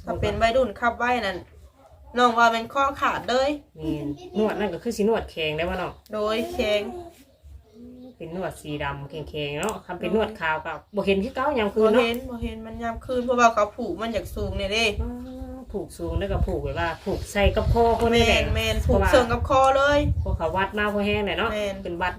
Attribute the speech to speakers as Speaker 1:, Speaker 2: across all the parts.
Speaker 1: ถ้าเป็นวัยรุ่นขับไว้นั่นน้องว่าเป็นข้อขาดเลย
Speaker 2: นี่นวดนั่นก็คือสินวดแข็งได้บ่เนาะ
Speaker 1: โดยแข็ง
Speaker 2: เป็นนวดสีดำแข็งๆเนาะคำเป็นนวดขาวก็บ่เห็นคือเก่ายามคืน
Speaker 1: เนาะ
Speaker 2: เนาะ
Speaker 1: บ่เห็นมันยามคืนเพราะว่าเขาผูกมันอยากสูงนี่เด้
Speaker 2: ผูกสูงแล้วก็ผูกไว้ว่าผูกใส่กับคอคนนี่แหละ
Speaker 1: แม่นผูกเชิงกับคอเลย
Speaker 2: พวกเขาวัดมาพอแห้งหน่อยเนาะเป็นวัด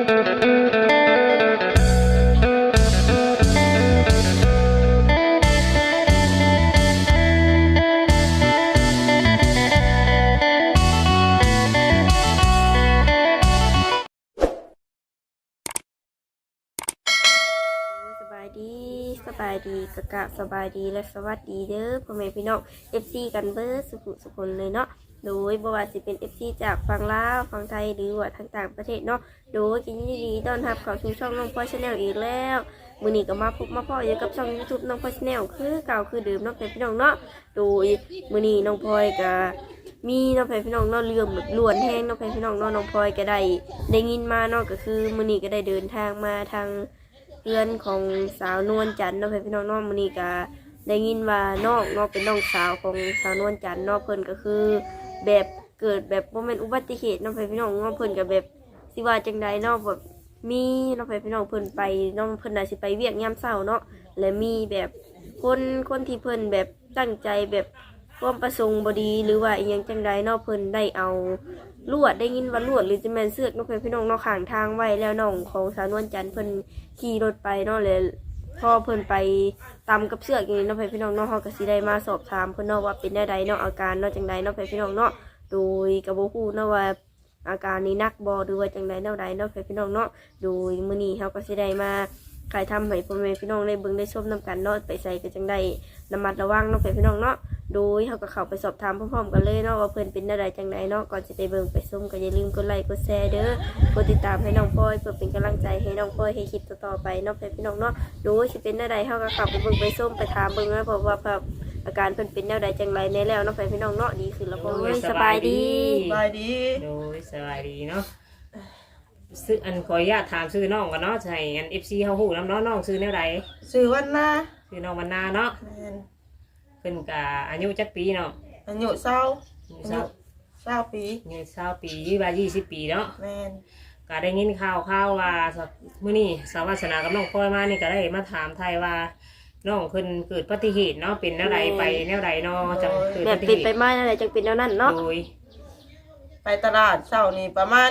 Speaker 3: สบายดีกะสบายดีและสวัสดีเด้อพ่อแม่พี่น้อง FC กันเบิร์สุขเลยเนาะโดยบ่ว่าสิเป็น FC จากฝั่งลาวฝั่งไทยหรือว่าทางต่างประเทศเนาะโดยยินดีต้อนรับเข้าสู่ช่องน้องพลอย Channel อีกแล้วมื้อนี้ก็มาพบมาพ่ออยู่กับช่อง YouTube น้องพลอย Channel คือเก่าคือเดิมเนาะพี่น้องเนาะโดยมื้อนี้น้องพลอยก็มีน้องพี่น้องเนาะเรื่องแบบล้วนแห้งน้องพี่น้องเนาะน้องพลอยก็ได้ยินมาเนาะก็คือมื้อนี้ก็ได้เดินทางมาทางเพื่อนของสาวนวลจันทร์เนาะพี่น้องเนาะมื้อนี้ก็ได้ยินว่าน้องเนาะเป็นน้องสาวของสาวนวลจันทร์เนาะเพิ่นก็คือแบบเกิดแบบบ่แม่นอุบัติเหตุเนาะพี่น้องเนาะเพิ่นก็แบบสิว่าจังใดเนาะแบบมีเนาะพี่น้องเพิ่นไปน้องเพิ่นน่าสิไปเวียกยามเช้าเนาะและมีแบบคนที่เพิ่นแบบตั้งใจแบบความประสงค์บ่ดีหรือว่าอีหยังจังใดเนาะเพิ่นได้เอาลวดได้ยินว่าลวดหรือจะแม่นเสือกน้องพี่น้องเนาะข้างทางไว้แล้วน้องของสาวนวลจันทร์เพิ่นขี่รถไปเนาะเลยพอเพิ่นไปตำกับเสือกอย่างนี้เนาะพี่น้องเนาะเฮาก็สิได้มาสอบถามเพิ่นเนาะว่าเป็นแนวใดเนาะอาการเนาะจังใดเนาะพี่น้องเนาะโดยก็บ่ฮู้เนาะว่าอาการนี้หนักบ่หรือว่าจังใดแนวใดเนาะพี่น้องเนาะโดยมื้อนี้เฮาก็สิได้มาถ่ายทำให้พ่อแม่พี่น้องได้เบิ่งได้ชมนํกันเนาะไปใส่ก็จังได๋ระมัดระวังเนาะพี่น้องเนาะโดยเขาก็เข้าไปสอบถามพร้อมๆกันเลยเนาะว่าเพิ่นเป็นอะไรจังไดเนาะก่อนจะไปเบิ่งไปส้มก็อย่าลืมกดไลค์กดแชร์เด้อกดติดตามให้น้องพลอยเพื่อเป็นกำลังใจให้น้องพลอยให้คลิปต่อๆไปเนาะพี่น้องเนาะโดยสิเป็นอะไรเขาก็เข้าไปเบิ่งไปส้มไปถามเบิ่งนะเพราะว่าอาการเพิ่นเป็นแนวใดจังไรในแล้วเนาะพี่น้องเนาะดีขึ้นแล้วบ่สบายดี
Speaker 2: โดยสบายดีเนาะซื้ออันขออนุญาตถามชื่อน้องกันเนาะใช่อัน FC เฮาฮู้นำเนาะน้องชื่อแนวใด
Speaker 1: ชื่อวันนา
Speaker 2: ชื่อน้องวันนาเนาะเพิ่นก็อายุจักปีเนาะ
Speaker 1: อายุ20ปี
Speaker 2: อายุ20ปีว่า20ปีเนาะ
Speaker 1: แม่น
Speaker 2: ก็ได้ยินข่าวว่ามื้อนี้สาวาสนากับน้องพลอยมานี่ก็ได้มาถามไทยว่าน้องเพิ่นเกิดอุบัติเหตุเนาะเป็นแนวใดไปแนวใดเนาะจังเกิดอุ
Speaker 3: บั
Speaker 2: ติเหตุ
Speaker 3: ไปมาอะไรจังเป็นแนวนั้นเนาะ
Speaker 2: โดย
Speaker 1: ไปตลาดเช้านี่ประมาณ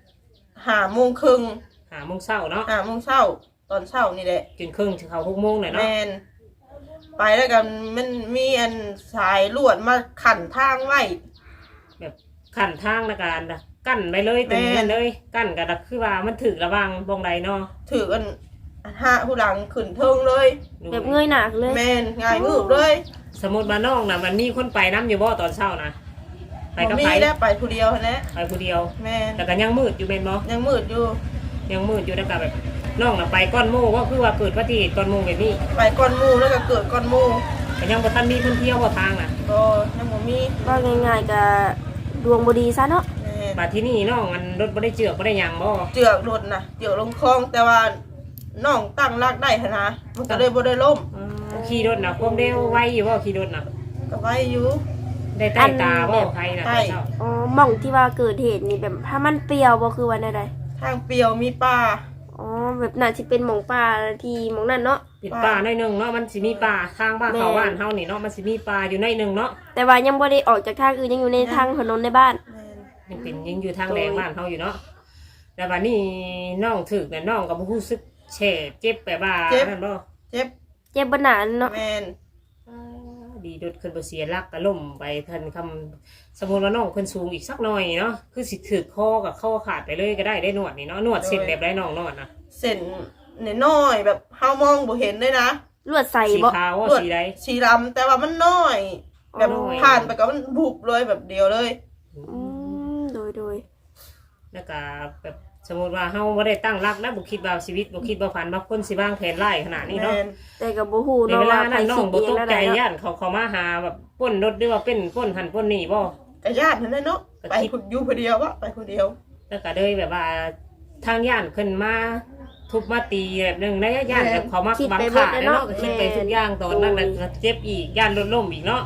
Speaker 1: 5:30 น.
Speaker 2: 5:00 น.เนาะ
Speaker 1: 5:00 น.ตอนเช้านี่แหละ
Speaker 2: จนครึ่งถึงเข้า6:00 น.น่ะเนาะ
Speaker 1: แม่นไปแล้วกันมันมีอันสายลวดมาขันทางไว้
Speaker 2: แบบขันทางในการกั้นไปเลยตรงนั้นเลยกั้นก็คือว่ามันถึกระวังบงใดเนาะ
Speaker 1: ถือกันผู้หลังขึ้นเทิงเลย
Speaker 3: แบบเงยหนักเลย
Speaker 1: แม่นง่ายงืบเลย
Speaker 2: สมมุติว่าน้องน่ะมันมีคนไปน้ำอยู่บ่ตอนเช้านะ
Speaker 1: ไปกับใครแล้วไปผู้เดียวนะ
Speaker 2: ไปผู้เดียว
Speaker 1: แม่น
Speaker 2: แต่ก็ยังมืดอยู่เป็นบ่
Speaker 1: ยังมืดอยู่
Speaker 2: แล้วก็แบบน้องน่ะไปก้อนหมู่ก็คือว่าเกิดอุบัติเหตุก้อนหมู่แบบนี้
Speaker 1: ไปก้อนหมู่แล้วก็เกิดก้อนหมู่
Speaker 2: ก็ยังบ่ทันมีคนเที่ยวบ่ทางน่ะ
Speaker 1: ก็ยังบ่มี
Speaker 3: ก็ง่ายๆก็ดวงบ่ดีซะเนาะ
Speaker 2: บัดที่นี่น้องมันรถบ่ได้เจือกบ่ได้หยังบ่
Speaker 1: เจือกรถน่ะเจือกลงคลองแต่ว่าน้องตั้งรากได้หั่นนะมันก็เลยบ่ได้ล้ม
Speaker 2: ขี่รถน่ะความเร็วไวอยู่บ่ขี่รถน่ะ
Speaker 1: ก็ไวอยู่
Speaker 2: ได้ใต้ตาบ่ใครน่ะ
Speaker 3: อ๋อหม่องที่ว่าเกิดเหตุนี่แบบถ้ามันเปรี้ยวบ่คือว่าแนวใด
Speaker 1: ทางเปรี้ยวมีป่า
Speaker 3: อ๋อแบบน่าสิเป็นหม่องป่าที่หม่องนั้นเนาะ
Speaker 2: เป็นป่าหน่อยนึงเนาะมันสิมีป่าทางบ้านเขาบ้านเฮานี่เนาะมันสิมีป่าอยู่หน่อยนึงเนาะ
Speaker 3: แต่ว่ายังบ่ได้ออกจากทางอื่นยังอยู่ในทางถนนในบ้าน
Speaker 2: ยังอยู่ทางแดงบ้านเฮาอยู่เนาะแต่ว่านี่น้องถึกน่ะน้องก็บ่รู้สึกแฉเจ็บแบบว่านั่นบ่
Speaker 1: เจ็บ
Speaker 3: บ่นานเนาะ
Speaker 1: แม่น
Speaker 2: ดีดดขึ้นบ่เสียหลักก็ล้มไปทันคำสมมุติว่าน้องเพิ่นสูงอีกสักหน่อยเนาะคือสิถึกคอกับคอขาดไปเลยก็ได้นวดนี่เนาะนวดเส้นแบบไรน้องนวดนะ
Speaker 1: เส้นน้อยแบบเฮามองบ่เห็นเลยนะ
Speaker 3: ลวดใส่
Speaker 2: บ่สีขาวสีใด
Speaker 1: สีดำแต่ว่ามันน้อยแบบผ่านไปก็มันบุบเลยแบบเดียวเลย
Speaker 3: โดย
Speaker 2: แล้วก็แบบสมมติว่าเฮาบ่ได้ตั้งรักนะบ่คิดว่าชีวิตบ่คิดว่าฝันว่าคนสิวางแผนร้ายขนาดนี้เนาะ
Speaker 3: แต่ก็บ่ฮู้เนาะว่า
Speaker 2: ใครน้องบ่ตกใจย่านเขามาหาแบบป้นรถหรือว่าเป็นป้นหันป้นนี่บ่
Speaker 1: ก็ญาตินั่นแหละเนาะไปอยู่คนเดียววะไปคนเดียว
Speaker 2: แล้วก็เลยแบบว่าทางย่านขึ้นมาทุบมาตีแบบนึงนะย่านแบบเขามาบังคับเนาะก็คิดไปทุกอย่างตอนนั้นน่ะเจ็บอีกย่านรถล้มอีกเนาะ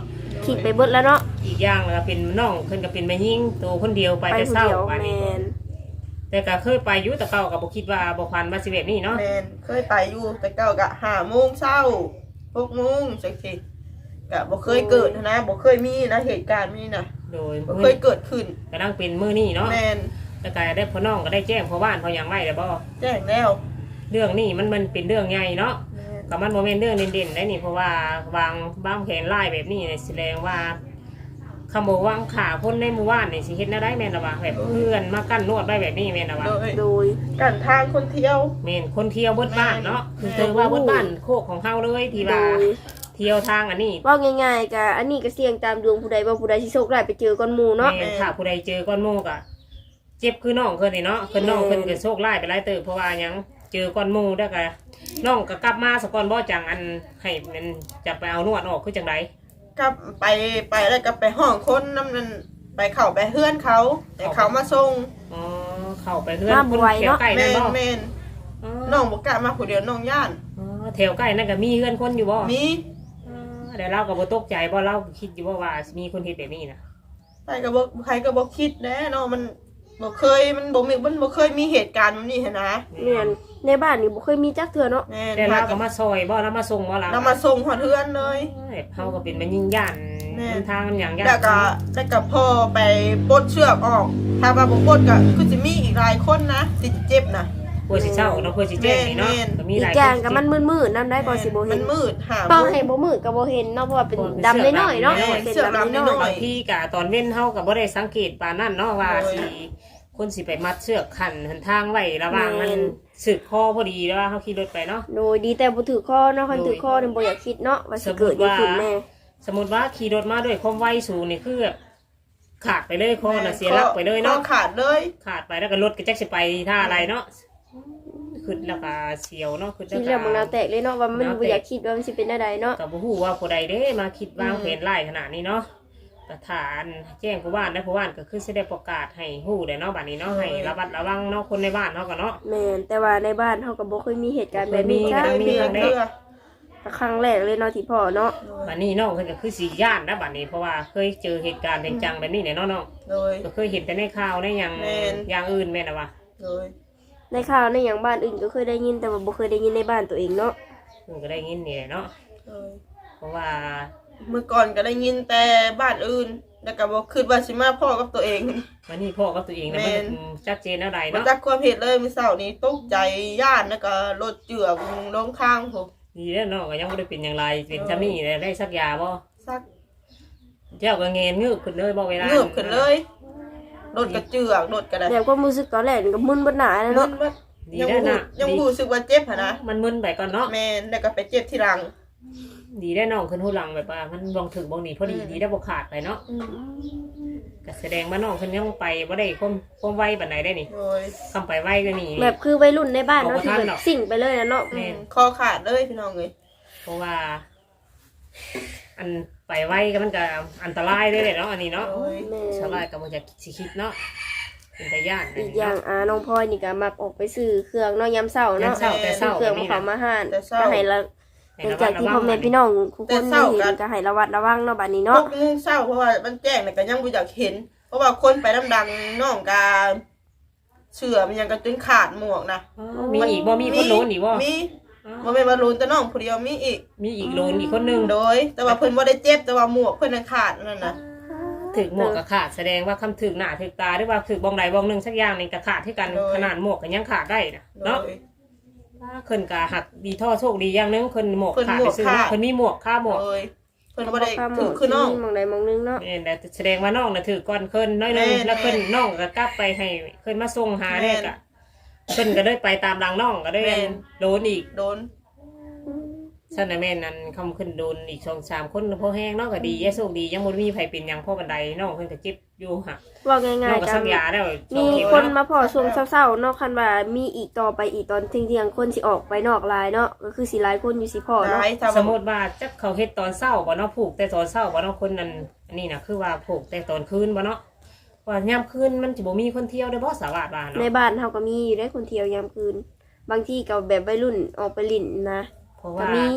Speaker 3: คิดไปเบิดแล้วเนาะ
Speaker 2: อีกอย่างก็เป็นน้องเพิ่นก็เป็นแม่หญิงตัวคนเดียวไป
Speaker 3: ไป
Speaker 2: แต่
Speaker 3: ผู้
Speaker 2: เช้า
Speaker 3: เดียว
Speaker 2: บัด
Speaker 3: แม
Speaker 2: นี้
Speaker 3: น
Speaker 2: แต่ก็เคยไปอยู่แต่เก่าก็บ่คิดว่าบ่พันว่าสิแบบนี้เนาะ
Speaker 1: แม่นเคยไปอยู่แต่เก่ากะ5 โมงเช้า6 โมงจังซี่กะบ่เคยเกิดนะบ่เคยมีนะเหตุการณ์นี้นะ
Speaker 2: โดย
Speaker 1: บ่เคยเกิดขึ้น
Speaker 2: ก็นั่งเป็นมื้อนี้เนาะ
Speaker 1: แม่น
Speaker 2: แล้วก็ได้พ่อน้องก็ได้แจ้งพ่อบ้านพ่อหยังไว้แล้วบ่
Speaker 1: แจ้งแล้ว
Speaker 2: เรื่องนี้มันเป็นเรื่องใหญ่เนาะ
Speaker 1: แม่น
Speaker 2: ก็มันบ่แม่นเรื่องเด่นๆได้นี่เพราะว่าวางบ้างแผนไล่แบบนี้เนี่ยแสดงว่าคำบอกวางขาคนในหมู่บ้านนี่สิเฮ็ดแนวได้แม่นล่ะว่าแบบเพื่อนมากั้นนวดไว้แบบนี้แม่นล่ะว่า
Speaker 3: โดย
Speaker 1: กันทางคนเที่ยว
Speaker 2: แม่นคนเที่ยวเบิดบ้านเนาะคือเจอว่าเบิดบ้านโคกของเฮาเลยที่
Speaker 3: โด
Speaker 2: ว่าย เที่ยวทางอันนี้
Speaker 3: ว่าง่ายๆก็อันนี้ก็เสี่ยงตามดวงผู้ใดว่าผู้ใดสิโชคร้ายไปเจอก้อนหมู่เนาะ
Speaker 2: แม่นถ้าผู้ใดเจอก้อนโมกอะเจ็บคือน้องเพิ่นนี่เนาะคือน้องเพิ่นก็โชคร้ายไปหลายเติบเพราะว่าหยังเจอก้อนโมแล้วก็น้องก็กลับมาสะก่อนบ่จังอันให้มันจะไปเอานวดออกคือจังได
Speaker 1: กับไปแล้วก็ไปห้องคนน้ำนั้นไปเข้าไปเฮือนเขาแต่เขามาส่ง
Speaker 2: อ๋อเข้าไปเฮือนคนแถวใกล้
Speaker 1: แม่
Speaker 2: นั่น
Speaker 1: น
Speaker 2: บ่
Speaker 1: แม่น
Speaker 2: อ๋อ
Speaker 1: น้องบ่กล้ามาผู้เดียวน้องย่าน
Speaker 2: อ๋อแถวใกล้นั่นก็มีเฮือนคนอยู่บ่
Speaker 1: มี
Speaker 2: อ๋อเดี๋ยวเราก็บ่ตกใจบ่เราคิดอยู่ว่ามีคนเฮ็ดแบบนี้นะ
Speaker 1: ไปก็บ่ใครก็บ่คิดแน่เนาะมันบ่เคยมันบ่เคยมีเหตุการณ์แบบนี้หั้นนะ
Speaker 3: แม่นในบ้านนี่บ่เคยมีจักเทื่อเนาะ
Speaker 1: แม่น
Speaker 2: แต่เราก็มาซอยบ่เรามาส่งบ่เรา
Speaker 1: นำมาส่งฮอดเฮือนเลย
Speaker 2: เฮาก็เป็นมันยิ่งย่าน
Speaker 1: แม่
Speaker 2: ทางมันหยังย่าน
Speaker 1: แล้วก็พ่อไปปลดเชือกออก ถ้าว่าบ่ปลดก็คือสิมีอีกหลายคนนะสิเจ็บนะ
Speaker 2: เพื่อสิเศร้าเนาะเพื่อสิแจ้งนี่เนาะก็มี
Speaker 3: อี
Speaker 2: ห
Speaker 3: ก
Speaker 2: ลาย
Speaker 3: อย่าง
Speaker 2: คน
Speaker 3: ก็มันมืดๆนำได้ก็สิบ่
Speaker 1: มั
Speaker 3: เห็
Speaker 1: น
Speaker 3: น
Speaker 1: มืดหา
Speaker 3: ต้องให้บ่มืดก็บ่เห็นเนาะเพราะว่าเป็นดำน้อยๆเนาะเป็นดำน้อย
Speaker 2: บางทีกะตอนเว้นเฮาก็บ่ได้สังเกตปานนั้นเนาะว่าสิคนสิไปมัดเชือกขันหันทางไว้ระหว่างมันสึกคอพอดีแล้วว่าเฮาขี่รถไปเนาะ
Speaker 3: ๆโดยดีแต่บ่ถือข้อเนาะคันถือข้อนี่บ่อยากคิดเนาะว่าสิเกิดหยังขึ้นแน่
Speaker 2: สมมุติว่าขี่รถมาด้วยความไวสูงนี่คือแบบขาดไปเลยคอน่ะเสียหลักไปเลยเนาะ
Speaker 1: ขาดเลย
Speaker 2: ขาดไปแล้วก็รถก็จักสิไปท่าอะไรเนาะขึ้นแล้วก็เสียวเนาะขึ้น
Speaker 3: คิด
Speaker 2: แล้
Speaker 3: แล้ว
Speaker 2: ว
Speaker 3: มัน
Speaker 2: ก็
Speaker 3: น่าแตกเลยเนาะว่ามันบ่อยากคิดว่ามันสิเป็นได้เนาะ
Speaker 2: กับผู้ว่าผู้ใดเด้มาคิดวางแผนไล่ขนาดนี้เนาะประธานแจ้งผู้บ้านและผู้บ้านก็คือสิได้ประกาศให้ฮู้ได้เนาะบัดนี้เนาะให้ระมัดระวังเนาะคนในบ้านเนาะก็เนาะ
Speaker 3: แม่นแต่ว่าในบ้านเฮาก็บ่เคยมีเหตุการณ์แบบนี้
Speaker 2: บ่
Speaker 3: จ้า
Speaker 2: เคยมี
Speaker 3: เทื่อ
Speaker 2: เด้
Speaker 3: ครั้งแรกเลยเนาะที่พ่อเนาะ
Speaker 2: บัดนี้น้องเพิ่นก็คือสิย่านนะบัดนี้เพราะว่าเคยเจอเหตุการณ์จังๆแบบนี้เนี่ยเนาะน้อง
Speaker 1: โดย
Speaker 2: ก็เคยเห็นแต่ในข่าวในหยัง
Speaker 1: แม่น
Speaker 2: อย่างอื่นแม่นน่ะว่า
Speaker 1: โดย
Speaker 3: ในข่าวในหยังบ้านอื่นก็เคยได้ยินแต่ว่าบ่เคยได้ยินในบ้านตัวเองเนาะ
Speaker 2: เพิ่นก็ได้ยินนี่แหละเนาะ
Speaker 1: โดย
Speaker 2: เพราะว่า
Speaker 1: เมื่อก่อนก็ได้ยินแต่บ้านอื่นแล้วก็บ่คิดว่าสิมาพ่อกับตัวเอง
Speaker 2: วันนี้พ่อกับตัวเองเนี่ย
Speaker 1: แม่
Speaker 2: มัน
Speaker 1: น
Speaker 2: ชัดเจนอะไร
Speaker 1: บ่
Speaker 2: เนาะ
Speaker 1: จักความเหตุเลยมื้อเช้านี้ตกใจย่านแล้วก็รถเจือกลงข้างผม
Speaker 2: ดีแล้วเนาะก็ยังบ่ได้เป็นอย่างไรเป็นซะนี่ได้สักยาบ่
Speaker 1: ซัก
Speaker 2: เจ้าก็เงนงืบขึ้นเลยบ่เวลา
Speaker 1: เงือบขึ้นเลยรถก็เจือกรถก็ได้
Speaker 3: แต่ความรู้สึกตอนแรกนี่ก็มึนเบิดหน้าเลย
Speaker 1: มึ
Speaker 3: เนาะ
Speaker 1: นบ่
Speaker 2: ดี
Speaker 1: ยัง
Speaker 2: แล้ว
Speaker 1: บ่
Speaker 2: นะ
Speaker 1: ยังบ่รู้สึกว่าเจ็บหั่นนะ
Speaker 2: มันมึนไปก่อนเนาะ
Speaker 1: แม่นแล้วก็ไปเจ็บที่หลัง
Speaker 2: ดีได้น้องขึ้นหูหลังแบบว่ามันบองถึงบองหนีพอดีดีได้บ่ขาดไปเนาะก็แสดงว่าน้องขึ้นยังไปบ่ได้ความไวปานใดได้นี่
Speaker 1: โดย
Speaker 2: คำไปไวก็นี่
Speaker 3: แบบคือวัยรุ่นในบ้านเนาะ
Speaker 2: บอก
Speaker 3: ที่
Speaker 2: ว่า
Speaker 3: แบ
Speaker 2: ท่านหรอก
Speaker 3: บสิ่งไปเลยนะเนาะ
Speaker 2: แม่น
Speaker 1: คอขาดเลยพี่น้องเอ้ย
Speaker 2: เพราะว่า อันไปไวก็มันก็อันตรายได้เลยเนาะอันนี้เนาะ
Speaker 1: โดย
Speaker 3: แม่
Speaker 2: ชาวบ้านก็บ่จะสิคิดเนาะเป็นตาย่าน
Speaker 3: อีกอย่างน้องพลอยนี่ก็มักออกไปซื้อเครื่องเนาะยามเช้าเนาะ
Speaker 2: ยามเช้าแต่เช้า
Speaker 3: เครื่อง
Speaker 2: แบบนี้
Speaker 3: มา
Speaker 2: นะ
Speaker 3: เขามาห่าน
Speaker 1: แต่เช้า
Speaker 3: ก็ให้ละหลังจากที่พ่อแม่พี่น้องทุกคนได้เห็นก็ให้ระวัดระวังเนาะบัดนี้
Speaker 1: พ
Speaker 3: เนาะ
Speaker 1: วกงูเศร้าเพราะว่ามันแจ้งแต่ก็ยังบ่อยากเห็น เพราะว่าคนไปดังๆน้องกาเชื่อมันยังก็จนขาดหมวกนะ
Speaker 2: อ๋อมีอีกบ่มีคนโลนอีกบ่
Speaker 1: มีบ่แม่นว่าโลนแต่น้องผู้เดียวมีอีก
Speaker 2: มีอีกโลนอีกคนหนึง
Speaker 1: โดย แต่ว่าเพิ่นบ่ได้เจ็บแต่ว่าหมวกเพิ่นน่ะขาดนั่นน่ะ
Speaker 2: ถึกหมวกก็ขาดแสดงว่าคำถึกหน้าถึกตาหรือว่าถึกบองใดบองหนึงสักอย่างนี่ก็ขาดที่กันขนาดหมวกก็ยังขาดได้นะ
Speaker 1: โด
Speaker 2: เนาะ
Speaker 1: ย
Speaker 2: เพิ่นก็หักดีท่อโชคดีอย่างหนึงเพิ่นหมวก
Speaker 1: เพิ่น
Speaker 2: ขาด
Speaker 1: หม
Speaker 2: ไป
Speaker 1: วก
Speaker 2: ซื้อ
Speaker 1: ขาด
Speaker 2: เพิ่นมีหมวกค่าหมวก
Speaker 1: โดยเพิ่นบ่ได้
Speaker 3: ข้ามหม
Speaker 1: ถื
Speaker 3: อ
Speaker 1: อคือน้อง
Speaker 3: มองใดมองหนึงเนาะ
Speaker 2: นี่แต่แสดงว่าน้องน่ะถือก่อนเพิ่นน้อยหนึง
Speaker 1: แม่น
Speaker 2: แล้วเพิ่นน้องก็กลับไปให้เพิ่นมาส่งหาได้ก็เพิ่นก็ได้ไปตามหลังน้องก็ได้
Speaker 1: แม่น
Speaker 2: โดนอีก
Speaker 1: โดน
Speaker 2: ซั่นน่ะแม่นนั่นคำขึ้นโดนอีก2-3คนพอแห้งเนาะก็ดีแย่โชคดียังบ่มีไผเป็นหยังพ่อบันไดน้องเพิ่นก็เจ็บอยู่หัก
Speaker 3: ว่า
Speaker 2: น้
Speaker 3: ง่า
Speaker 2: อย งก็
Speaker 3: ๆกั
Speaker 2: สั
Speaker 3: น
Speaker 2: กยาแล้ว
Speaker 3: มี
Speaker 2: 2 เข็ม
Speaker 3: คน
Speaker 2: เนาะ
Speaker 3: มาพอช่วงเช้าๆเนาะคันว่ามีอีกต่อไปอีกตอนเที่ยงๆคนสิออกไปนอกลายเนาะก็คือสิหลายคนอยู่สิพ่อ
Speaker 1: ห
Speaker 3: เนาะ
Speaker 1: ลาย
Speaker 2: สมมุติว่าจักเขาเฮ็ดตอนเช้าบ่เนาะผูกแต่ตอนเช้าบ่เนาะคนนั้นอันนี้น่ะคือว่าผูกแต่ตอนคืนบ่เนาะว่ายามคืนมันสิบ่มีคนเที่ยวได้บ่สาวาดว่า
Speaker 3: ใน
Speaker 2: เนาะ
Speaker 3: บ้านเฮาก็มีอยู่ได้คนเที่ยวยามคืน บางที่ก็แบบวัยรุ่นออกไปลิ่นนะ
Speaker 2: เพราะ
Speaker 3: ก็
Speaker 2: ว่า
Speaker 3: มี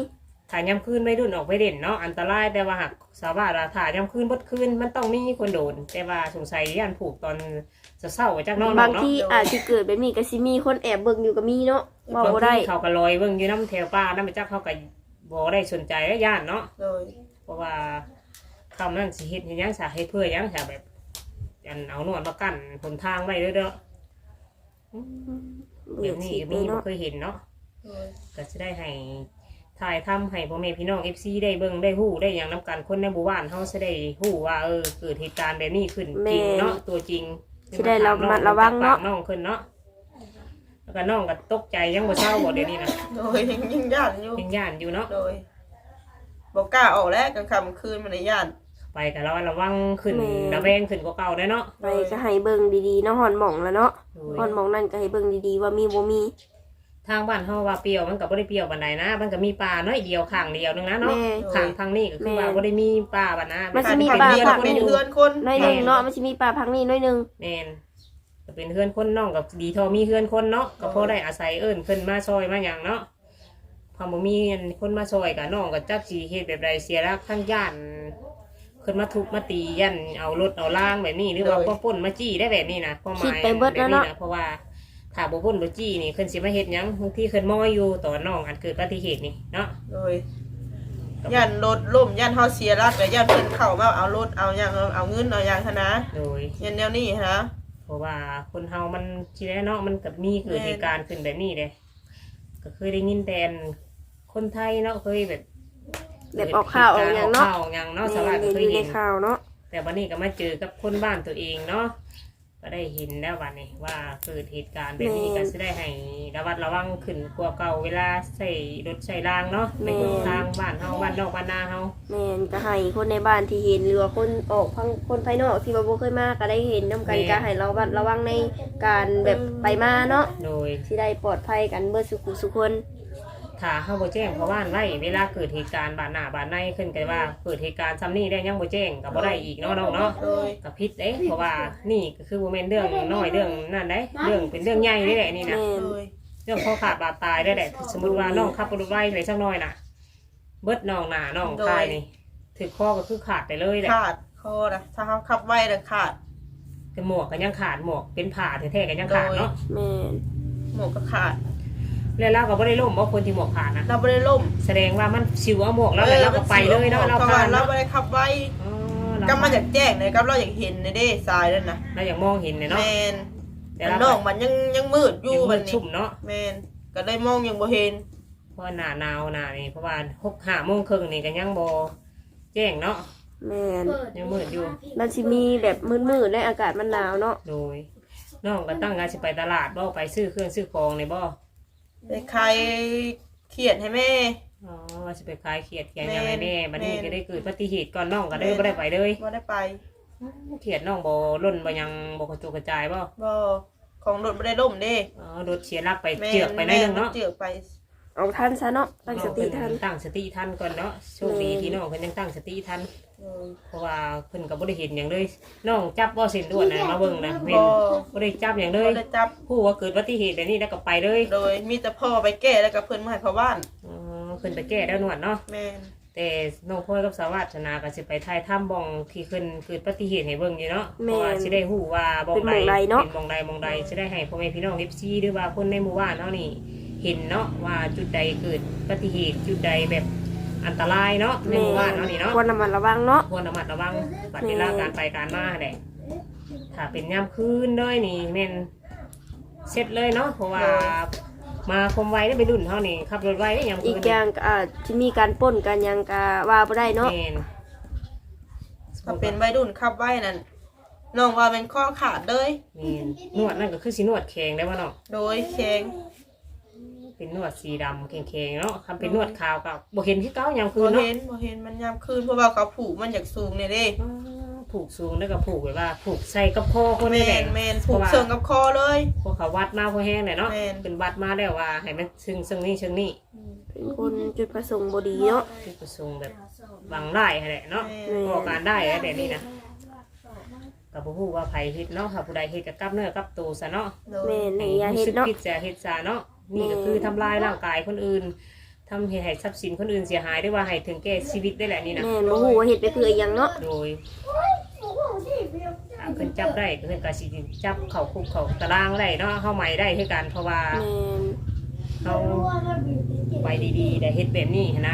Speaker 2: ถ่ายย่ำคืนไม่รุ่นออกไปเด่นเนาะอันตรายแต่ว่าหากสาวบ้านถ่ายย่ำคืนบดคืนมันต้องมีคนโดนแต่ว่าสงสัยย่านผูกตอนจะเศร้าจากน้อง
Speaker 3: บาง
Speaker 2: เนาะ
Speaker 3: ที่อาจสิเกิดแบบนี้ก็สิมีคนแอบเบิ่งอยู่ก็มีเนาะเว้า
Speaker 2: บาง
Speaker 3: บ่ได้
Speaker 2: ทีเขาก็ลอยเบิ่งอยู่น้ำแถวป้าน้ำไปจักเขาก็บ่ได้สนใจและย่านเนาะ
Speaker 1: โดย
Speaker 2: เพราะว่าคำนั้นสิเฮ็ดให้หยังสาเหตุเพื่อหยังสาแบบอันเอาหนวดมากั้นหนทางไว้เด้อเดี๋ยวนี้มีบ่เคยเห็นเนาะ
Speaker 1: โดย
Speaker 2: ก็จะได้ให้ถ่ายทำให้พ่อแม่พี่น้อง FC ได้เบิ่งได้ฮู้ได้อย่างนำกันคนในหมู่บ้านเฮาจะได้ฮู้ว่าเกิดเหตุการณ์แบบนี้ขึ้นจริงเนาะตัวจริง
Speaker 3: สิได้ระมัดระวังเนาะ
Speaker 2: น้องขึ้นเนาะแล้วก็น้องก็ตกใจยังบ่เศร้าบ่เดี๋ยวนี้นะ
Speaker 1: โดยยังย่านอยู่
Speaker 2: ยังย่านอยู่เนาะ
Speaker 1: โดยบ่กล้าออกแล้วกลางค่ำคืนมันในย่าน
Speaker 2: ไปก็ระวังขึ้นระแวงขึ้นกว่าเก่าได้เนาะ
Speaker 3: ไปก็ให้เบิ่งดีๆเนาะฮอนหม่องแล้วเนาะ
Speaker 2: โดย
Speaker 3: ฮอนหม่องนั่นก็ให้เบิ่งดีๆว่ามีบ่มี
Speaker 2: ทางบ้านเฮาว่าเปรี้ยวมันก็บ่ได้เปรี้ยวปานใดนะมันก็มีป่าน้อยเดียวข้างเดียวนึงนะเนาะ
Speaker 3: แม่
Speaker 2: ข้างทางนี้ก็คือว่าบ่ได้มีป่าปานนะ
Speaker 3: มันสิมี
Speaker 1: ทง
Speaker 3: ป่า
Speaker 1: เรือน
Speaker 3: ผัก
Speaker 1: เป็นเรือนคน
Speaker 3: น้อยหนึงเนาะมันสิมีป่าพังนี่น้อยหนึง
Speaker 2: แม่นก็เป็นเฮือนคนน้องกับดีทอมีเฮือนคนเนาะก็พอได้อาศัยเอิ้นเพิ่นมาซอยมาหยังเนาะพอบ่มีคนมาซอยก็น้องก็จักสิเฮ็ดแบบใดเสียรักทั้งย่านขึ้นมาทุบมาตียันเอารถเอาล่างแบบนี้หรือว่าพวกป่นมาจี้ได้แบบนี้นะความหมายแบบนี้นะเพราะว่าถ้าบ่ป่นบ่จี้นี่ขึ้นสิมาเฮ็ดหยังบางทีขึ้นมออยู่ตอนน้องอันเกิดอุบัติเหตุนี่เนาะ
Speaker 1: โดยย่านรถล่มย่านเฮาเสียรักกับย่านเพิ่นเข้ามาเอารถเอาหยังเอาเงินเอาหยังหั้นนะ
Speaker 2: โดย
Speaker 1: ย่านแนวนี้ฮะ
Speaker 2: เพราะว่าคนเฮามันทีแรกเนาะมันก็มีเกิดเหตุการณ์ขึ้นแบบนี้เลยก็เคยได้ยินแต่คนไทยเนาะเคยแบบ
Speaker 3: แบบออกข่าวออกหยังเนาะ
Speaker 2: ออกหยังเนาะส
Speaker 3: แม่
Speaker 2: วัส
Speaker 3: เห็
Speaker 2: ดี
Speaker 3: น
Speaker 2: เค
Speaker 3: อย ยู่ใน
Speaker 2: เห็น
Speaker 3: ข่าวเนาะ
Speaker 2: แต่วันนี้ก็มาเจอกับคนบ้านตัวเองเนาะก็ได้เห็นแล้ววันนี้ว่าเกิดเหตุการณ์แบบนี้ก็จะได้ให้ระมัดระวังขึ้นกว่าเก่าเวลาใส่รถใส่รางเนาะในทางบ้านเฮาบ้านนอกบ้านนาเฮา
Speaker 3: แม่นก็ให้คนในบ้านที่เห็นหรือว่าคนออกพังคนภายนอกที่ว่าบ่เคยมาก็ได้เห็นนำกันก็ให้ระวังในการแบบไปมาเนาะ
Speaker 2: โดย
Speaker 3: สิได้ปลอดภัยกันเบิดสุขคน
Speaker 2: ถ้าเฮาบ่แจ้งเพราะว่าไว้เวลาเกิดเหตุการณ์บ้านหน้าบ้านในขึ้นกันว่าเกิดเหตุการณ์ซ้ำนี้ได้ยังบ่แจ้งก็บ่ได้อีกเนาะน้องเนาะ
Speaker 1: โดย
Speaker 2: กับพิษเด้เพราะว่านี่ก็คือโมเมนต์เรื่องน้อยเรื่องนั่นได้เรื่องเป็นเรื่องใหญ่ได้แหละนี่นะ
Speaker 3: แม่น
Speaker 1: โดย
Speaker 2: เรื่องข้อขาดบาดตายได้แหละสมมติว่าน้องขับรถไว้เลยสักหน่อยน่ะเบิดน้องหน้าน้องตายนี่ถือข้อก็คือขาดไปเลยแหละ
Speaker 1: ขาดคอนะถ้าเฮาขับไว้น่ะขาด
Speaker 2: แต่หมวกก็ยังขาดหมวกเป็นผ่าแท้ๆก็ยังขาดเนาะ
Speaker 3: แม่น
Speaker 1: หมวกก็ขาด
Speaker 2: แล้วเราก็ไม่ได้ล่มเพราะคนที่หมวกขาดนะ
Speaker 1: เราบ่ได้ล่ม
Speaker 2: แสดงว่ามันชิวเอาหมวกแล้วแล้วเราก็ไปเลยเนาะเรา
Speaker 1: เพราะ
Speaker 2: ผ่า
Speaker 1: ว่าน เรา
Speaker 2: เนาะ
Speaker 1: บ่ได้ขับไว้
Speaker 2: อ๋อเรา
Speaker 1: ก็มาจากแจ้งเลยครับเราอยากเห็นในเด้ทรายนั่นน่ะ
Speaker 2: เราอย่างมองเห็นเนี่ยเนาะ
Speaker 1: แม่น
Speaker 2: แต่
Speaker 1: มัน
Speaker 2: เรา
Speaker 1: นอกมันยังมืดอยู่
Speaker 2: ยัง
Speaker 1: บั
Speaker 2: มื
Speaker 1: ด
Speaker 2: ด
Speaker 1: นี้
Speaker 2: ชุ่มเนาะ
Speaker 1: แม่นก็ได้มองยังบ่เห็น
Speaker 2: เพราะหน้าหนาวหน้านี่เพราะว่า6-5 โมงครึ่งนี่ก็ยังบ่แจ้งเนาะ
Speaker 3: แม่น
Speaker 2: ยังมืดอยู่
Speaker 3: มันสิมีแบบมืดๆและอากาศมันหนาวเนาะ
Speaker 2: โดยน้องก็ตั้งงานสิไปตลาดบ่ไปซื้อเครื่องซื้อของในบ่
Speaker 1: ไปใครเขียนให้แม่
Speaker 2: อ๋อว่าสิไปขายเขียดแกง
Speaker 1: แม่
Speaker 2: ยังไงแม่บัดนี้
Speaker 1: แม่
Speaker 2: ก็ได้เกิดอุบัติเหตุก่อนน้องก็ได้บ่ได้ไปเลย
Speaker 1: บ่ได้ไป
Speaker 2: เขียดน้องบ่ล่นบ่ยังบ่กระจุกกระจายบ่
Speaker 1: บ่ของรถบ่ได้ล่มเด้
Speaker 2: อ๋อรถเสียหลักไป
Speaker 1: แม่
Speaker 2: เจือกไปหน่อยนึงเนาะ
Speaker 1: เจือกไป
Speaker 3: เอาทันซะเนาะตั้งสติทัน
Speaker 2: ตั้งสติทันก่อนเนาะโชคดีที่น้องเพิ่นยังตั้งสติทัน
Speaker 1: เออ
Speaker 2: เพราะว่าเพิ่นก็บ่ได้เห็นหยังเลยน้องจับบ่เส้นด่วนน่ะมาเบิ่งนะเห็นบ่ได้จับหยังเล
Speaker 1: บ่
Speaker 2: ย
Speaker 1: ได้จับ
Speaker 2: ผู้ว่าเกิดอุบัติเหตุแบบนี้แล้วก็ไปเลย
Speaker 1: โดยมีแต่พ่อไปแก้แล้วก็เพิ่นมาให้พ่อบ้าน
Speaker 2: อ๋อเพิ่นไปแก้แล้วนวดเนาะ
Speaker 1: แม่น
Speaker 2: แต่น้องพลอยกับสาวาสนาก็สิไปถ่ายถ้ำบ่องที่ขึ้นเกิดอุบัติเหตุให้เบิ่งอยู่เนาะเพราะว่าสิได้ฮู้ว่าบ่องใดเป็นบ่องใดบ่องใดสิได้ให้พ่อแม่พี่น้อง FC หรือว่าคนในหมู่บ้านเฮานี่เห็นเนาะว่าจุดใดเกิดอุบัติเหตุจุดใดแบบอันตรายเนาะในหมู่บ้านเฮานี่เนาะ
Speaker 3: ควรระมัดระวังเนาะ
Speaker 2: ควรระมัดระวังบัดเวลาการไปการมาแหละถ้าเป็นยามคืนเลยนี่แม่นเสร็จเลยเนาะเพราะว่ามาคมไว้ได้ไปรุ่นเฮานี่ขับรถไว้ได้ยามคืน
Speaker 3: อีกอย่างก็อาจจะมีการปล้นกันหยังก็ว่าบ่ได้เนาะ
Speaker 2: แม่น
Speaker 1: ถ้าเป็นวัยรุ่นขับไว้นั่นน้องว่าเป็นข้อขาดเลย
Speaker 2: นี่นวดนั่นก็คือสีนวดแข็งได้ป่ะเนาะ
Speaker 1: โดยแข็ง
Speaker 2: เป็นนวดสีดำแข็งๆเนาะคำเป็นนวดขาวกับบ่เห็นที่เก้ายามคื
Speaker 1: บ่
Speaker 2: นเนาะ
Speaker 1: เห็นมันยามคืนเพราะว่าเขาผูกมันอยากสูงเนี่ยเด้
Speaker 2: อ๋อผูกสูงแล้วก็ผูกแบบว่าผูกใส่กับคอคน
Speaker 1: แม
Speaker 2: นี่แหละ
Speaker 1: นแมนผูกเชิงกับคอเลย
Speaker 2: พวกเขาวัดมาพอแห้งเลยเนาะ
Speaker 1: แม่น
Speaker 2: เป็นวัดมาแล้วว่าให้มันซึ่งนี่เชิงนี่
Speaker 3: เป็นคนจุดประสงค์บ่ดีเนาะ
Speaker 2: คือประสงค์แบบบังได้แหละเนาะ
Speaker 1: แม่น
Speaker 2: ก่อการได้แล้วแต่นี่นะกับผู้ว่าไผเฮ็ดเนาะค่ะผู้ใดเฮ็ดกับกลับเนื้อกลับตัวซะเนาะ
Speaker 1: โดย
Speaker 3: แม่นให้อย่าเฮ็ด
Speaker 2: รู้สึก
Speaker 3: เนาะ
Speaker 2: ผิดจะเฮ็ดซะเนาะนี่ก็คือทำลายร่างกายคนอื่นทำให้ทรัพย์สินคนอื่นเสียหายหรือว่าให้ถึงแก่ชีวิตได้แหละนี่นะ
Speaker 3: แม่นบ่ฮู้ว่าเฮ็ดไปเพื่ออิหยังเนาะ
Speaker 2: โดยถ้าเพิ่นจับได้ก็เพิ่นก็สิจับเข้าคุกเข้าตารางได้เนาะเฮาใหม่ได้คือกันเพราะว่า
Speaker 3: แม่น
Speaker 2: เฮาไปดีๆได้เฮ็ดแบบนี้หั้นนะ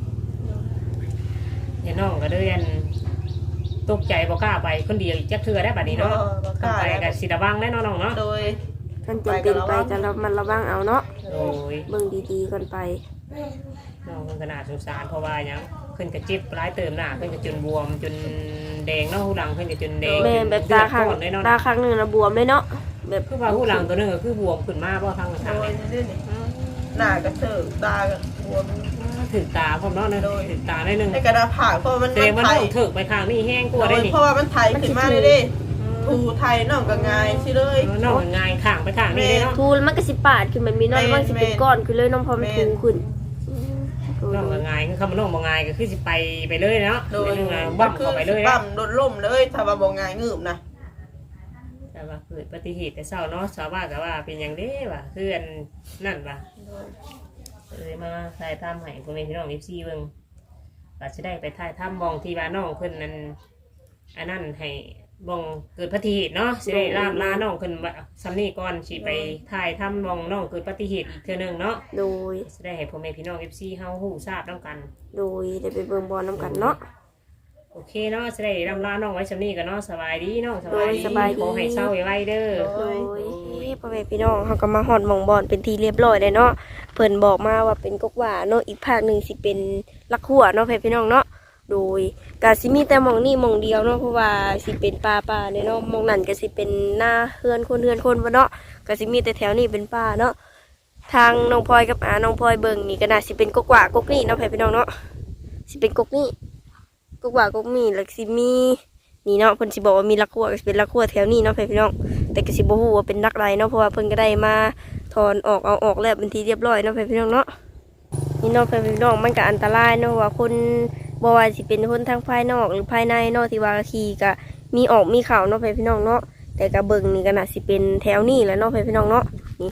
Speaker 2: อย่าน้องก็เลยอันตกใจบ่กล้าไปคนเดียวอีกจักเทื่อได้บัดนี้เนาะ
Speaker 1: บ่ก
Speaker 2: ต้อ
Speaker 1: ล้าง
Speaker 2: ไป
Speaker 1: แล้ว
Speaker 2: ก็สิระวังได้เนาะน้องเนาะ
Speaker 1: โดย
Speaker 3: กันจำเป็นไปก็มันระวังเอาเนาะ
Speaker 2: โดย
Speaker 3: เบิ่งดีๆก่อนไป
Speaker 2: น้องเพิ่นก็น่าสงสารเพราะว่าหยังเพิ่นก็เจ็บหลายเติมหน้าเพิ่นก็จนบวมจนแดงเนาะหูหลังเพิ่นก็จนแดง
Speaker 3: แม่นแบบตาข้าง
Speaker 2: เลือดก้อนเลยเนาะ
Speaker 3: ตาข้างหนึงน่ะบวมเลยเนาะแบบ
Speaker 2: คือว่าหูหลังตัวหนึงก็คือบวมขึ้นมาบ่ทาง
Speaker 1: โด
Speaker 2: ทาง
Speaker 1: ย
Speaker 2: นี้
Speaker 1: นี่นี่หน้ากระเถิบตากระบวม
Speaker 2: ถึงตาพร้อมเนาะถึงตาได้นึง
Speaker 1: ในกระดาษผ่าเพราะมัน
Speaker 2: แสดงว่า
Speaker 1: ไท
Speaker 2: น้
Speaker 1: ย
Speaker 2: องถึกไปข้างนี้แห้งกว่าได้นี่
Speaker 1: เพราะว่ามันไทยขึ้นมาเลยดิถูไทยน้องก็ง่ายสิเลย
Speaker 2: น้องง่ายข้างไปข้างนี้ได้เนาะ
Speaker 3: ทูแล้วมันก็สิปาดขึ้นแบบนี้เนาะแล้วมันสิเป็นก้อนขึ้นเลยน้องพอมันทูขึ้น
Speaker 2: น้องง่ายคือคำว่าน้องบ่ง่ายก็คือสิไปเลยเนาะ
Speaker 1: โดย
Speaker 2: บั้มเข้าไปเลย
Speaker 1: บั้มโดนล่มเลยถ้าว่าบ่ง่ายงืบนะ
Speaker 2: แต่ว่าเกิดอุบัติเหตุแต่เช้าเนาะชาวบ้านก็ว่าเป็นอย่างเด้ว่ะคืออันนั่นว่ะเลยมาถ่ายทำให้พ่อแม่พี่น้อง FC เบิ่งก็สิได้ไปถ่ายทำมองที่ว่าน้องเพิ่นนั้นอันนั้นให้บ่งเกิดอุบัติเหตุเนาะสิได้ล่ามลาน้องเพิ่นว่าซ้ำนี้ก่อนสิไปถ่ายทำมองน้องเกิดอุบัติเหตุอีกเทื่อนึงเนาะ
Speaker 3: โดย
Speaker 2: สิได้ให้พ่อแม่พี่น้อง FC เฮาฮู้ทราบนำกัน
Speaker 3: โดยได้ไปเบิ่งบอลน้ำกันเนาะ
Speaker 2: โอเคเนาะสิได้ล่ำลาน้องไว้ซ้ำนี้กันเนาะสบายดีเนาะสบาย
Speaker 3: โดยสบายดี
Speaker 2: ขอให้เศร้าไว้เด้อ
Speaker 3: โดยพ่อแม่พี่น้องเขาก็มาฮอดหมองบอลเป็นทีเรียบร้อยเลยเนาะเพิ่นบอกมาว่าเป็นกกหว่าเนาะอีกภาคหนึ่งสิเป็นลักหัวเนาะพ่อแม่พี่น้องเนาะโดยกาสิมีแต่หมองนี่หมองเดียวเนาะเพราะว่าสิเป็นป่าเนี่ยเนาะหมองนั่นก็สิเป็นหน้าเฮือนคนบ่เนาะก็สิมีแต่แถวนี้เป็นป่าเนาะทางน้องพลอยกับน้องพลอยเบิ่งนี่ก็น่าสิเป็นกกหว่ากกนี่เนาะพ่อแม่พี่น้องเนาะสิเป็นกกนี่กกหว่ากกนี่แล้วสิมีนี่เนาะเพิ่นสิบอกว่ามีลักหัวก็สิเป็นลักหัวแถวนี้เนาะพ่อแม่พี่น้องแต่ก็สิบ่ฮู้ว่าเป็นลักไรเนาะเพราะว่าเพิ่นก็ได้มาถอนออกเอาออกแล้วเป็นทีเรียบร้อยเนาะพ่อแม่พี่น้องเนาะนี่เนาะพ่อแม่พี่น้องมันก็อันตรายเนาะว่าคนบ่ว่าสิเป็นคนทางภายนอกหรือภายในเนาะที่ว่าขี่ก็มีออกมีเข้าเนาะพ่อแม่พี่น้องเนาะแต่ก็เบิ่งนี่ก็น่าสิเป็นแถวนี้แหละเนาะพ่อแม่พี่น้องเนาะนี่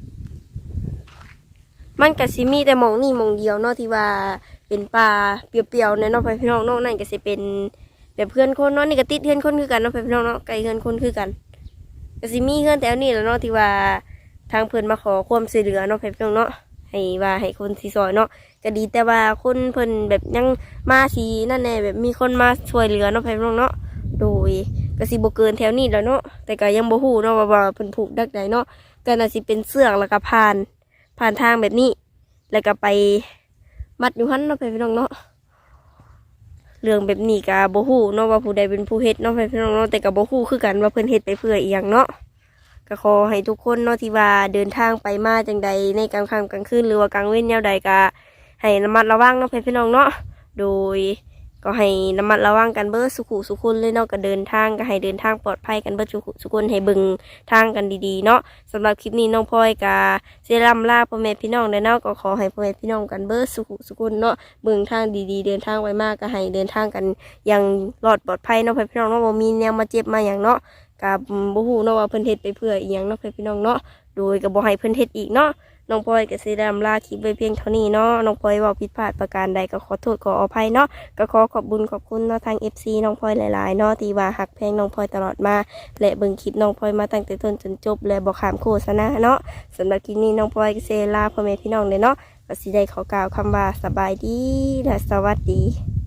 Speaker 3: มันก็สิมีแต่หมองนี่หมองเดียวเนาะที่ว่าเป็นป่าเปรียวๆเนี่ยเนาะพ่อแม่พี่น้องเนาะนั่นก็สิเป็นแบบเพื่อนคนเนาะนี่ก็ติดเพื่อนคนคือกันเนาะพ่อแม่พี่น้องเนาะไกลเพื่อนคนคือกันก็สิมีเพื่อนแถวนี้แหละเนาะที่ว่าทางเพื่อนมาขอความช่วยเหลือเนาะพ่อแม่พี่น้องเนาะให้ว่าให้คนสิซอยเนาะก็ดีแต่ว่าคนเพิ่นแบบยังมาสีนั่นแน่แบบมีคนมาช่วยเหลือเนาะพ่อแม่พี่น้องเนาะโดยก็สิบ่เกินแถวนี้แล้วเนาะแต่ก็ยังบ่ฮู้เนาะว่าเพิ่นผูกดักใดเนาะก็น่าสิเป็นเสือกแล้วก็ผ่านทางแบบนี้แล้วก็ไปมัดอยู่หั่นเนาะพ่อแม่พี่น้องเนาะเรื่องแบบนี้ก็บ่ฮู้เนาะว่าผู้ใดเป็นผู้เฮ็ดเนาะพ่อแม่พี่น้องเนาะแต่ก็บ่ฮู้คือกันว่าเพิ่นเฮ็ดไปเพื่ออีหยังเนาะก็ขอให้ทุกคนเนาะที่ว่าเดินทางไปมาจังใดในกลางค่ำกลางคืนหรือว่ากลางเว้นแนวใดก็ให้ระมัดระวังเนาะพ่อแม่พี่น้องเนาะโดยก็ให้ระมัดระวังกันเบิดสุขุสุคนเลยเนาะก็เดินทางก็ให้เดินทางปลอดภัยกันเบิดสุคนให้เบิ่งทางกันดีๆเนาะสำหรับคลิปนี้น้องพลอยก็สิร่ำลาพ่อแม่พี่น้องเด้อเนาะก็ขอให้พ่อแม่พี่น้องกันเบิดสุขุสุคนเนาะเบิ่งทางดีๆเดินทางไว้มากก็ให้เดินทางกันอย่างปลอดภัยเนาะพ่อแม่พี่น้องเนาะบ่มีแนวมาเจ็บมาหยังเนาะก็บ่ฮู้เนาะว่าเพิ่นเฮ็ดไปเพื่ออีหยังเนาะพ่อแม่พี่น้องเนาะโดยก็บ่ให้เพิ่นเฮ็ดอีกเนาะน้องพลอยก็สิร่ำลาคลิปไว้เพียงเท่านี้เนาะน้องพลอยเว้าผิดพลาดประการใดก็ขอโทษขออภัยเนาะก็ขอขอบคุญขอบคุณเนาะทาง FC น้องพลอยหลายๆเนาะที่ว่าฮักแพงน้องพลอยตลอดมาและเบิ่งคลิปน้องพลอยมาตั้งแต่ต้นจนจบและบ่ข้ามโฆษณาเนาะสำหรับคลิปนี้น้องพลอยก็สิลาพ่อแม่พี่น้องเลยเนาะก็สิได้ขอกล่าวคำว่าสบายดีและสวัสดี